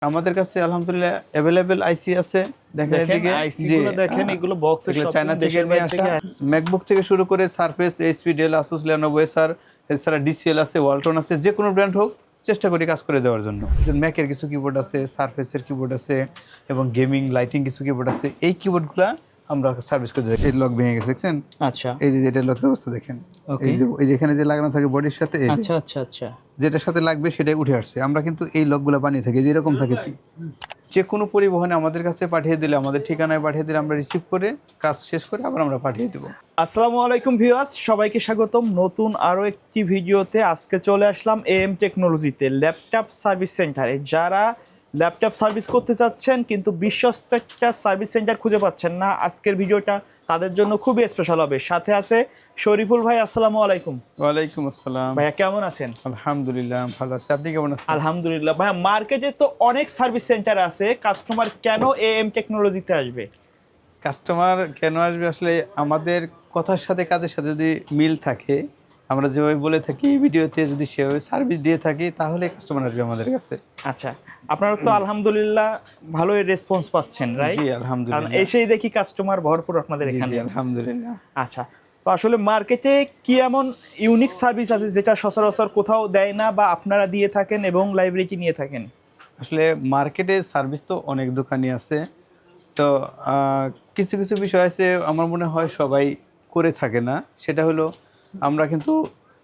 আমাদের কাছে আলহামদুলিল্লাহ अवेलेबल আইসি আছে। দেখেন এদিকে আইসি গুলো দেখেন, এগুলো বক্সে সব চায়না থেকে নিয়ে আসা। ম্যাকবুক থেকে শুরু করে Surface, HP, Dell, Asus, Lenovo, Acer, এছাড়া ডিসিএল আছে, ওয়ালটন আছে, যে কোনো ব্র্যান্ড হোক চেষ্টা করি কাজ করে দেওয়ার জন্য। ম্যাকের কিছু কিবোর্ড আছে, সারফেসের কিবোর্ড আছে এবং গেমিং লাইটিং কিছু কিবোর্ড আছে। এই কিবোর্ডগুলো আমরা সার্ভিস করে দিই। এই লক ভেঙে গেছে দেখছেন? আচ্ছা, এই যে এটা লকের অবস্থা দেখেন। এই যে এখানে যে লাগানো থাকে বডির সাথে, আচ্ছা আচ্ছা আচ্ছা, যেটার সাথে লাগবে সেটাই উঠে আসছে। আমরা কিন্তু এই লকগুলো বানিয়ে থাকি, যেরকম থাকে যে কোনো পরিবহনে আমাদের কাছে পাঠিয়ে দিলে, আমাদের ঠিকানায় পাঠিয়ে দিলে আমরা রিসিভ করে কাজ শেষ করে আবার আমরা পাঠিয়ে দেবো। আসসালামু আলাইকুম ভিউয়ার্স, সবাইকে স্বাগতম নতুন আরও একটি ভিডিওতে। আজকে চলে আসলাম এএম টেকনোলজিতে, ল্যাপটপ সার্ভিস সেন্টারে। যারা ল্যাপটপ সার্ভিস করতে চাচ্ছেন কিন্তু বিশ্বস্ত একটা সার্ভিস সেন্টার খুঁজে পাচ্ছেন না, আজকের ভিডিওটা তাদের জন্য খুবই স্পেশাল হবে। সাথে আছে শরীফুল ভাই। আসসালামু আলাইকুম। ওয়ালাইকুম আসসালাম ভাইয়া, কেমন আছেন? আলহামদুলিল্লাহ ভালো আছি, আপনি কেমন আছেন? আলহামদুলিল্লাহ। ভাইয়া, মার্কেটে তো অনেক সার্ভিস সেন্টার আছে, কাস্টমার কেন এএম টেকনোলজিতে আসবে? কাস্টমার কেন আসবে, আসলে আমাদের কথার সাথে কাজের সাথে যদি মিল থাকে, আমরা যেভাবে বলে থাকি ভিডিওতে যদি সেভাবে সার্ভিস দিয়ে থাকি, তাহলে কাস্টমার আসবে আমাদের কাছে। আচ্ছা, আপনারা তো আলহামদুলিল্লাহ ভালোই রেসপন্স পাচ্ছেন, রাইট? জি কারণ আলহামদুলিল্লাহ। এসেই দেখি কাস্টমার ভরপুর আপনাদের এখানে। আলহামদুলিল্লাহ। আচ্ছা, তো আসলে মার্কেটে কি এমন ইউনিক সার্ভিস আছে যেটা সচরাচর কোথাও দেয় না বা আপনারা দিয়ে থাকেন এবং লাইব্রেরি নিয়ে থাকেন? আসলে মার্কেটে সার্ভিস তো অনেক দোকানই আছে, তো কিছু কিছু বিষয় আছে আমার মনে হয় সবাই করে থাকে না। সেটা হলো আমরা কিন্তু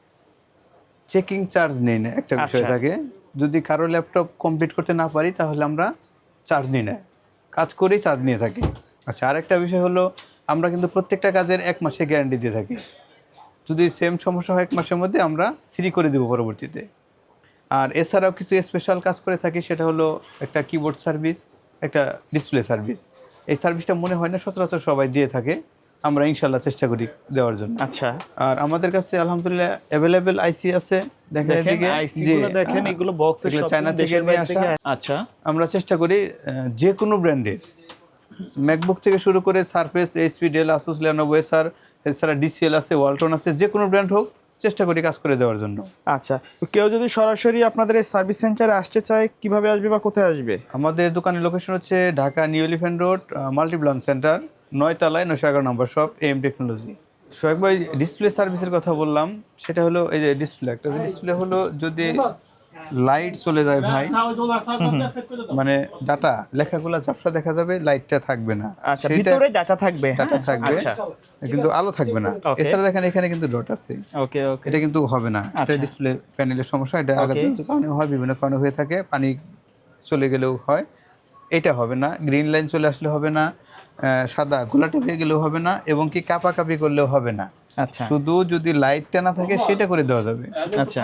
চেকিং চার্জ নেই না, একটা বিষয় আচ্ছা। থাকে। যদি কারো ল্যাপটপ কমপ্লিট করতে না পারি তাহলে আমরা চার্জ নিই না, কাজ করেই চার্জ নিয়ে থাকি। আচ্ছা, আরেকটা বিষয় হলো আমরা কিন্তু প্রত্যেকটা কাজের 1 মাসের গ্যারান্টি দিয়ে থাকি। যদি সেম সমস্যা হয় 1 মাসের মধ্যে আমরা ফ্রি করে দেবো পরবর্তীতে। আর এছাড়াও কিছু স্পেশাল কাজ করে থাকি, সেটা হলো একটা কিবোর্ড সার্ভিস, একটা ডিসপ্লে সার্ভিস। এই সার্ভিসটা মনে হয় না সচরাচর সবাই দিয়ে থাকে, আমরা ইনশাল্লাহ চেষ্টা করি দেওয়ার জন্য। আচ্ছা, আর আমাদের কাছে আলহামদুলিল্লাহ अवेलेबल আইসি আছে। দেখেন এদিকে আইসি গুলো দেখেন, এগুলো বক্সে সব চায়না থেকে নিয়ে আসা। আচ্ছা, আমরা চেষ্টা করি যে কোনো ব্র্যান্ডের ম্যাকবুক থেকে শুরু করে Surface, HP, Dell, Asus, Lenovo, Acer, এছাড়া ডিসিএল আছে, ওয়ালটন আছে, যে কোনো ব্র্যান্ড হোক চেষ্টা করি কাজ করে দেওয়ার জন্য। আচ্ছা, তো কেউ যদি সরাসরি আপনাদের এই সার্ভিস সেন্টারে আসতে চায়, কিভাবে আসবে বা কোথায় আসবে? আমাদের দোকানের লোকেশন হচ্ছে Dhaka New Elephant Road, Multiplan Center, 9 তলায় 911 number shop, AM technology. Soheb ভাই, ডিসপ্লে সার্ভিসের কথা বললাম, সেটা হলো এই যে ডিসপ্লে, একটা ডিসপ্লে হলো যদি লাইট চলে যায় ভাই, মানে ডাটা লেখাগুলো ঝাপসা দেখা যাবে, লাইটটা থাকবে না। আচ্ছা, ভিতরে ডাটা থাকবে। ডাটা থাকবে আচ্ছা, কিন্তু আলো থাকবে না। Okay. এছাড়া দেখেন এখানে কিন্তু ডট আছে, ওকে ওকে। এটা কিন্তু হবে না। এটা আচ্ছা। ডিসপ্লে প্যানেলের সমস্যা, এটা আঘাতের Okay. কারণে হয়, বিভিন্ন কারণে হয়ে থাকে, পানি চলে গেলেও হয়। এটা হবে না, গ্রিন লাইন চলে আসলে হবে না, সাদা গোলাটি হয়ে গেলেও হবে না, এবং কি কাপাকাপি করলেও হবে না। আচ্ছা শুধু যদি লাইটটা না থাকে সেটা করে দেওয়া যাবে। আচ্ছা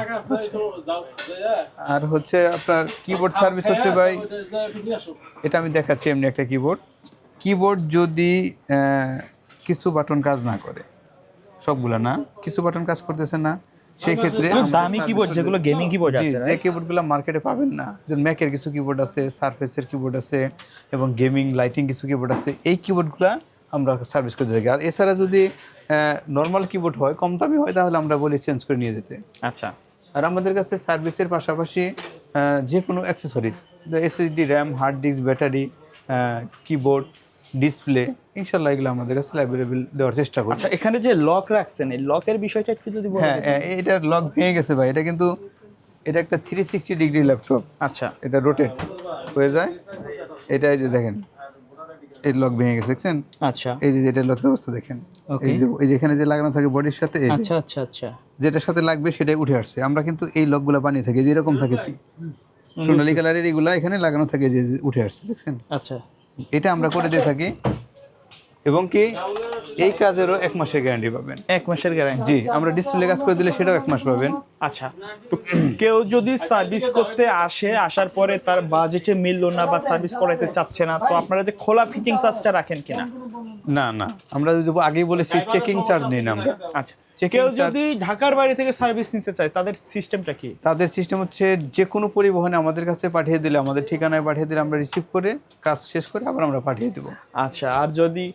আর হচ্ছে আপনার কিবোর্ড সার্ভিস হচ্ছে ভাই, এটা আমি দেখাচ্ছি এমনি একটা কিবোর্ড যদি কিছু বাটন কাজ না করে, সবগুলা না, কিছু বাটন কাজ করতেছে না, সেই ক্ষেত্রে দামি কিবোর্ড যেগুলো গেমিং কিবোর্ড আছে, যে কিবোর্ডগুলো মার্কেটে পাবেন না, যেমন ম্যাকের কিছু কিবোর্ড আছে, সারফেসের কিবোর্ড আছে এবং গেমিং লাইটিং কিছু কিবোর্ড আছে, এই কিবোর্ডগুলো আমরা সার্ভিস করে থাকি। আর এছাড়া যদি নর্মাল কিবোর্ড হয়, কম দামি হয়, তাহলে আমরা বলি চেঞ্জ করে নিয়ে যেতে। আচ্ছা, আর আমাদের কাছে সার্ভিসের পাশাপাশি যে কোনো accessories, SSD, RAM, hard disk, battery, keyboard, display, ইনশাল্লাহ এগুলো আমাদের কাছে অ্যাভেলেবেল দেওয়ার চেষ্টা করি। আচ্ছা, এখানে যে লক রাখছেন, এই লকের বিষয়টা একটু যদি বলেন। হ্যাঁ, এটার লক ভেঙে গেছে ভাই। এটা কিন্তু এটা একটা 360 ডিগ্রি ল্যাপটপ। আচ্ছা, এটা রোটেট হয়ে যায়। এটা এই যে দেখেন, এই লক ভেঙে গেছে দেখছেন? আচ্ছা, এই যে এটা লকের অবস্থা দেখেন। Okay. এই যে এখানে যে লাগানো থাকে বডির সাথে, আচ্ছা আচ্ছা আচ্ছা, যেটার সাথে লাগবে সেটাই উঠে আসছে। আমরা কিন্তু এই লকগুলো বানিয়ে থাকি, যেরকম থাকে সোনালী কালারের, এগুলা এখানে লাগানো থাকে, যে উঠে আসছে দেখছেন? আচ্ছা, এটা আমরা করে দিয়ে থাকি, এবং কি এই কাজেরও 1 মাসের গ্যারান্টি পাবেন। 1 মাসের গ্যারান্টি। জি, আমরা ডিসপ্লে কাজ করে দিলে সেটাও 1 মাস পাবেন। আচ্ছা, তো কেউ যদি সার্ভিস করতে আসে, আসার পরে তার বাজেটে মিললো না বা সার্ভিস করাতে চাচ্ছে না, তো আপনারা যে খোলা ফিটিং চার্জটা রাখেন কিনা? না না, আমরা যদি আগেই বলেছি চেকিং চার্জ নেই না আমরা। আচ্ছা, কেউ যদি ঢাকার বাইরে থেকে সার্ভিস নিতে চায়, তাদের সিস্টেমটা কি? তাদের সিস্টেম হচ্ছে যে কোনো পরিবহনে আমাদের কাছে পাঠিয়ে দিলে, আমাদের ঠিকানায় পাঠিয়ে দিলে আমরা রিসিভ করে কাজ শেষ করে আবার আমরা পাঠিয়ে দেবো। আচ্ছা, আর যদি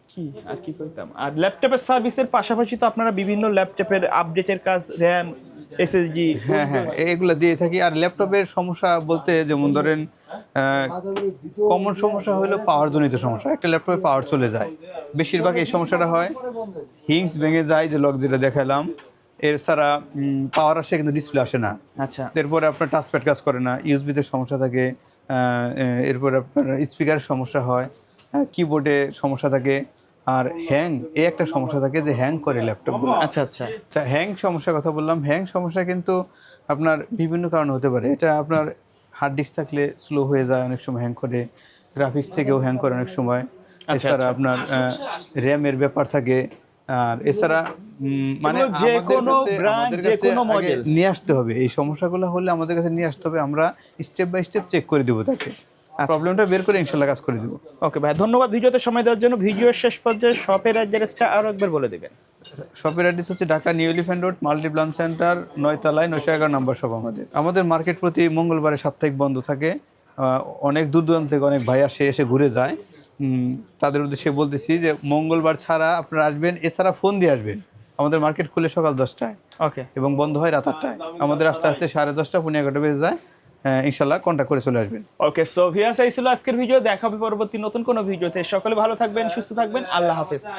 কি করতাম, আর ল্যাপটপের সার্ভিসের পাশাপাশি তো আপনারা বিভিন্ন ল্যাপটপের আপডেটের কাজ, র্যাম, এসএসডি। হ্যাঁ হ্যাঁ এগুলো দিয়ে থাকি। আর ল্যাপটপের সমস্যা বলতে যেমন ধরেন কমন সমস্যা হলো পাওয়ার জনিত সমস্যা, একটা ল্যাপটপে পাওয়ার চলে যায়, বেশিরভাগ এই সমস্যাটা হয়। হিংস ভেঙে যায়, যে লক যেটা দেখালাম, এছাড়া পাওয়ার আসে কিন্তু ডিসপ্লে আসে না। আচ্ছা এরপরে আপনার টাচপ্যাড কাজ করে না, ইউএসবিতে সমস্যা থাকে, এরপর আপনার স্পিকারের সমস্যা হয়, কিবোর্ডে সমস্যা থাকে, আর হ্যাং এই একটা সমস্যা থাকে যে হ্যাং করে ল্যাপটপগুলো। আচ্ছা আচ্ছা হ্যাং সমস্যার কথা বললাম, হ্যাং সমস্যা কিন্তু আপনার বিভিন্ন কারণে হতে পারে। এটা আপনার হার্ড ডিস্ক থাকলে স্লো হয়ে যায়, অনেক সময় হ্যাং করে, গ্রাফিক্স থেকেও হ্যাং করে অনেক সময়, এছাড়া আপনার র্যামের ব্যাপার থাকে। আর এছাড়া মানে এগুলো যে কোনো ব্র্যান্ড যে কোনো মডেল নিয়ে আসতে হবে, এই সমস্যাগুলো হলে আমাদের কাছে নিয়ে আসতে হবে, আমরা স্টেপ বাই স্টেপ চেক করে দেবো তাকে, প্রবলেমটা বের করে ইনশাল্লাহ কাজ করে দেবো। ওকে ভাই, ধন্যবাদ ভিডিওতে সময় দেওয়ার জন্য। ভিডিওর শেষ পর্যায়ে শপের অ্যাড্রেসটা আরো একবার বলে দেবেন। শপের অ্যাড্রেস হচ্ছে Dhaka New Elephant Road, Multiplan Center, 9 তলায়, 911 নম্বর শপ আমাদের মার্কেট প্রতি মঙ্গলবারে সাপ্তাহিক বন্ধ থাকে। অনেক দূর দূরান্ত থেকে অনেক ভাই এসে ঘুরে যায়, তাদের উদ্দেশ্যে বলতেছি যে মঙ্গলবার ছাড়া আপনারা আসবেন, এছাড়া ফোন দিয়ে আসবেন। আমাদের মার্কেট খুলে সকাল 10টায় ওকে, এবং বন্ধ হয় রাত 8টায়। আমাদের আস্তে আস্তে 10:30 পৌনে 11টা বেজে যায়। ইনশাল্লাহ কন্ট্যাক্ট করে চলে আসবেন। ওকে সো ভিউয়ার্স, এই ছিল আজকের ভিডিও। দেখা হবে পরবর্তী নতুন কোনো ভিডিওতে। সকলে ভালো থাকবেন, সুস্থ থাকবেন, আল্লাহ হাফেজ।